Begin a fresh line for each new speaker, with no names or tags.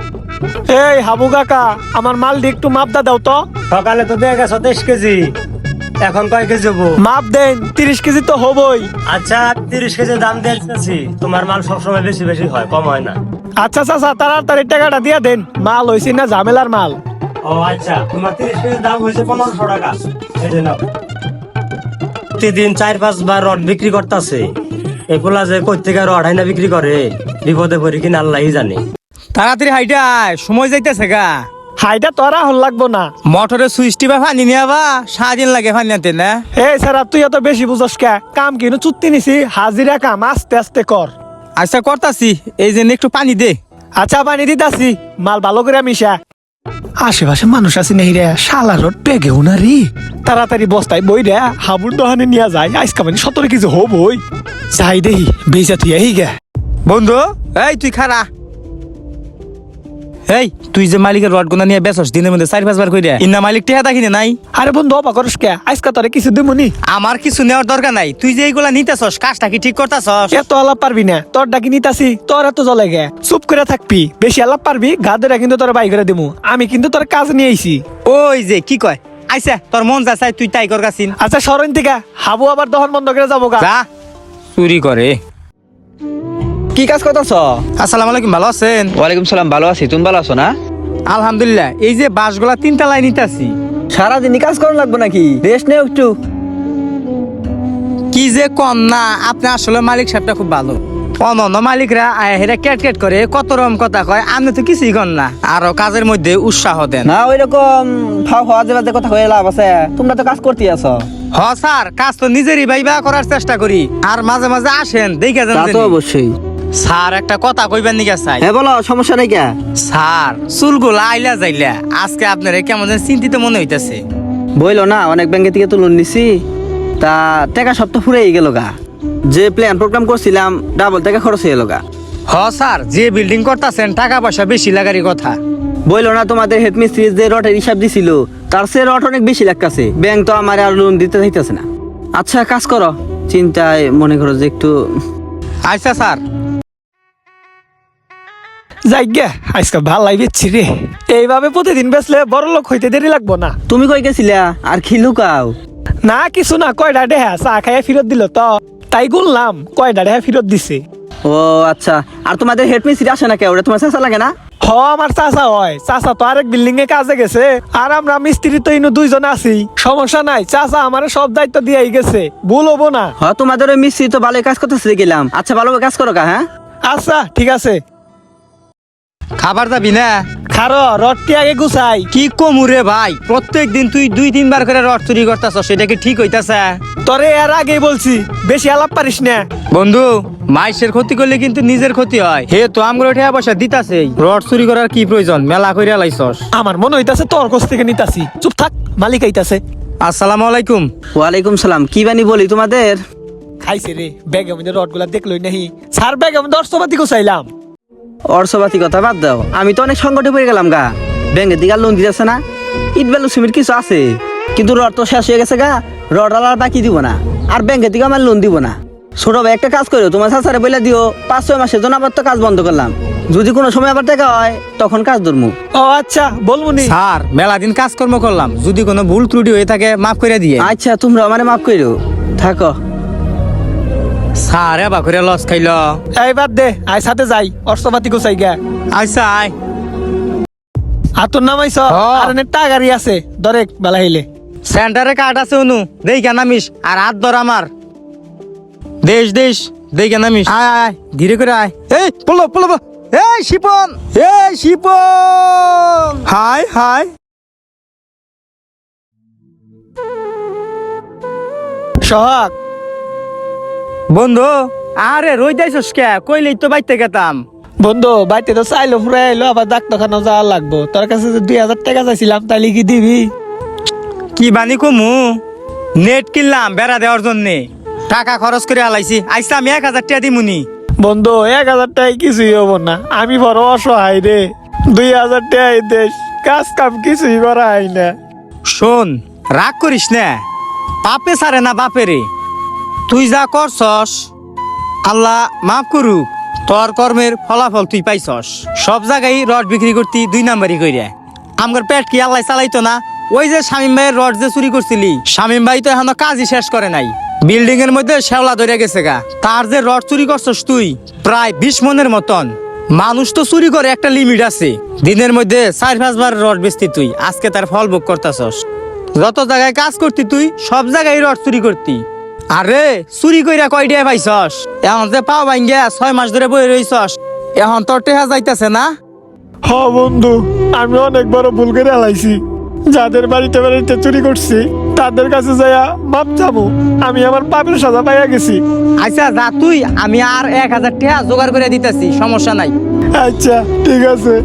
এই হাবু কাকা, আমার মাল দিয়ে একটু মাপ দাও তো।
সকালে তো দিয়ে গেছো 23 কেজি, এখন কয় কেজি হবো?
মাপ দেন, 30 কেজি তো হবই।
আচ্ছা 30 কেজি দাম দিয়েছি, তোমার মাল সবসময় বেশি বেশি হয়, কম হয় না।
আচ্ছা চাচা, তাড়াতাড়ি টাকাটা দিয়ে দেন, মাল হয়েছে না ঝামেলার মাল।
ও আচ্ছা, তোমার 30 কেজি দাম হয়েছে 1500 টাকা। এই যে নাও। প্রতিদিন 4-5 বার রড বিক্রি করতেছে, এগুলা যে কই থেকে রড হয় না বিক্রি করে, বিপদে পড়ি কিনা আল্লাহই জানে।
তাড়াতাড়ি হাইটা আয়, সময় যাইতেছে গা।
হাইটা তোরা হল লাগবো না।
মোটরের সুইচ টিপা পানি নিয়ে আবা, সারাদিন লাগে পানি আনতে না।
এই স্যার, তুই এত বেশি বুঝস কে? কাম কিনু চুক্তি নিছি, হাজিরা কাম আস্তে আস্তে কর।
আচ্ছা করতাছি, এই যে একটু পানি দে।
আচ্ছা পানি দিতাছি, মাল ভালো করে মিশা। আশেপাশে মানুষ আছে নেই রে, শালা রোড পেগেও না রে। তাড়াতাড়ি বস্তায় বই রে, হাবুর দোকানে নিয়ে যায়, আজকা মানে 17 কেজি হবই। যাই দেহি বেচা তুই এই গে।
বন্ধু এই তুই খারা। এই তুই যে মালিকের রড গুনা নিয়ে বেসস দিনের মধ্যে 4-5 বার কইরা, ইন্না মালিক টেহা দেখিনি নাই।
আরে বন্ধু অবা করস কে? আজকা তোরে কিছু দিমুনি।
আমার কিছু নেওয়ার দরকার নাই, তুই যে এইগুলা নিতেছস কাজটা কি ঠিক করতাছস?
এত আলাপ পারবি না, তোর ডাকি নিতাছি, তোর এত জলে গে। চুপ করে থাকবি, বেশি আলাপ পারবি গাদেরা কিন্তু তোর বাই করে দিমু। আমি কিন্তু তোর কাজ নিয়ে আইছি।
ওই যে কি কয়, আইসা তোর মন যা চাই তুই তাই কর গাছিন।
আচ্ছা সরেন থেকে, হাবু আবার দহন বন্ধ করে যাবো গা।
যা চুরি করে।
কি কাজ করতেছ?
আসসালামু আলাইকুম, ভালো আছেন?
ওয়ালাইকুম সালাম, ভালো আছি। তুমি ভালো আছো না?
আলহামদুলিল্লাহ। এই যে বাঁশগুলা 3টা লাইন নিতেছি।
সারাদিনই কাজ করা লাগবে নাকি? রেস্ট নেও একটু।
কি যে কম না, আপনি আসলে মালিক সাহেবটা খুব ভালো। অন্য মালিকরা হেরা ক্যাট ক্যাট করে কত রকম কথা কয়, আপনি তো কিছুই কর না, আরো কাজের মধ্যে উৎসাহ দেন।
না ওই রকম ফাও ফাও আজে বাজে কথা হয়ে লাভ আছে? তোমরা তো কাজ করতেই আছো।
হ স্যার, কাজ তো নিজেরই ভাইবা করার চেষ্টা করি, আর মাঝে মাঝে আসেন দেখে যান।
তা তো অবশ্যই।
স্যার একটা কথা কইবেন নিকা চাই।
হ্যাঁ বলো, সমস্যা নাই কে?
স্যার চুলগুলা আইলা যাইলা আজকে আপনার কেমন যেন চিন্তিত মনে হইতাছে।
বইলো না, অনেক ব্যাংকে থেকে তো লোন নিছি, তা টাকা সব তো ফুরেই গেল গা। যে প্ল্যান প্রোগ্রাম করছিলাম ডাবল টাকা খরচ হয়ে গেল গা।
হ স্যার, যে বিল্ডিং করতেছেন টাকা পয়সা বেশি লাগারই কথা।
বইলো না, তোমাদের হেড মিস্ত্রি যে রটের হিসাব দিছিল তার সে রট অনেক বেশি লাগতেছে। ব্যাংক তো আমার আর লোন দিতে চাইতেছে না। আচ্ছা কাজ করো, চিন্তায় মনে করো যে একটু।
আচ্ছা স্যার।
যাই গে, আজকে ভাল লাগবেছি রে। এইভাবে প্রতিদিন বেচলে বড় লোক হইতে দেরি লাগবো না।
তুমি কই গেছিলা আর কি লুকাও?
না কিছু না, কয়টা ডেহা চা খাইয়া ফিরত দিল তো, তাই গুনলাম কয়টা ডেহা ফিরত দিছে।
ও আচ্ছা, আর তোমাদের হেড মিস্ত্রি আসে না কে? ওটা তোমার চেষ্টা লাগে না?
হ আমার চাচা হয়, চাচা তো আরেক বিল্ডিং এ কাজে গেছে, আর আমরা মিস্ত্রি তো ইনু 2 জন আছি। সমস্যা নাই, চাচা আমারে সব দায়িত্ব দিয়েই গেছে, ভুল হবো না।
হ্যাঁ তোমাদের ওই মিস্ত্রি তো ভালোই কাজ করতেছে গেলাম। আচ্ছা ভালোভাবে কাজ করো কা? হ্যাঁ
আচ্ছা ঠিক আছে।
খাবার যাবি না?
খারো রডটি আগে গুছাই।
কি কমুরে ভাই, প্রত্যেক দিন তুই 2-3 বার করে রড চুরি করতেছ, সেটা কি ঠিক হইতাছে?
তোরে এর আগেই বলছি বেশি আলাপ পারিস না।
বন্ধু, মাইসের ক্ষতি করলে কিন্তু নিজের ক্ষতি হয়। হে তো আমগুলো টাকা পয়সা দিতাছে, রড চুরি করার কি প্রয়োজন? মেলা কইরা লাইছস।
আমার মনে হইতাছে তোর কাছ থেকে নিতাছি। চুপ থাক, মালিক আইতাছে।
আসসালামু আলাইকুম।
ওয়ালাইকুম সালাম। কি বানি বলি তোমাদের?
খাইছে রে, ব্যাগের মধ্যে রড গুলা দেখলই নাহি। স্যার ব্যাগের মধ্যে অর্থপাতি গুছাইলাম।
অর্থপাতি কথা বাদ দাও, আমি তো অনেক সংকটে পড়ে গেলাম গা। ব্যাংকের দিকে লোন দিতেছে না, ইট বালু সিমেন্ট কিছু আছে, কিন্তু রড তো শেষ হয়ে গেছে গা। রড আর বাকি দিব না, আর ব্যাংকের দিকে আমার লোন দিব না। ছোট ভাই একটা কাজ করো, তোমার চাচারে বলে দিও 5-6 মাসের জন্য আবার তো কাজ বন্ধ করলাম। যদি কোনো সময় আবার টাকা হয় তখন কাজ ধরমু।
ও আচ্ছা বলবুনি।
স্যার মেলা দিন কাজকর্ম করলাম, যদি কোনো ভুল ত্রুটি হয়ে থাকে মাফ করে দিয়ে।
আচ্ছা তোমরা আমার মাফ করো, থাকো।
স্যার এবার করে লস খাইল।
এই বাদ দে, আয় সাথে যাই, অর্থপাতি গুছাই গে।
আচ্ছা আয়।
আর তোর নাম আইস?
হ।
আর নেটা গাড়ি আছে, দরেক বেলা হইলে।
সেন্টারে কার্ড আছে অনু, দেই কেন নামিস, আর হাত ধর আমার। দেশ দেশ দেই কেন নামিস। আয় আয় ধীরে করে আয়। এই পলো পলো পলো। এই শিপন, এই শিপন। High high.
সোহাগ
বন্ধু, আরে রই যাইছস কে? কইলেই তো বাইতে গেতাম।
বন্ধু, বাইতে তো চাইলো ফুরে আইলো, আবার ডাক্তারখানা যাওয়া লাগবো। তোর কাছে যে 2000 টাকা চাইছিলাম, তাইলে কি দিবি?
কি বানি কমু? নেট কিনলাম বেড়া দেওয়ার জন্যে, টাকা খরচ করে আলাইছি। আইসা আমি 1000 টাকা দিমুনি।
বন্ধু 1000 টাকায় কিছুই হবো না, আমি বড় অসহায় রে। 2000 টাকায় দেশ, কাজ কাম কিছুই করা হয় না।
শোন, রাগ করিস না, পাপে সারে না বাপেরে। তুই যা করছস আল্লাহ মাফ করুক, তোর কর্মের ফলাফল তুই পাইছস। সব জায়গায় রড বিক্রি করতি 2 নাম্বারই কইরা। আমার পেট কি আল্লাহ চালাইতো না? ওই যে শামিম ভাইয়ের রড যে চুরি করছিলি, শামিম ভাই তো এখনো কাজই শেষ করে নাই। বিল্ডিং এর মধ্যে শেওলা ধরে গেছে গা। তার যে রড চুরি করছস তুই প্রায় 20 মনের মতন। মানুষ তো চুরি করে, একটা লিমিট আছে। দিনের মধ্যে 4-5 বার রড বেচতি তুই, আজকে তার ফল ভোগ করতেছস। যত জায়গায় কাজ করতি তুই সব জায়গায় রড চুরি করতি। আরে চুরি কইরা কয়টা পাইছস? এখন যে পাও ভাঙ্গিয়া 6 মাস ধরে বই রইছস, এখন তোর টেহা যাইতাছে না?
হ বন্ধু, আমি অনেক বড় ভুল করে হালাইছি। যাদের বাড়িতে বাড়িতে চুরি করছি তাদের কাছে যাইয়া মাপ চাবো। আমি আমার পাপের সাজা পাইয়া গেছি।
আচ্ছা যা তুই, আমি আর 1000 টাকা জোগাড় করে দিতেছি, সমস্যা নাই।
আচ্ছা ঠিক আছে।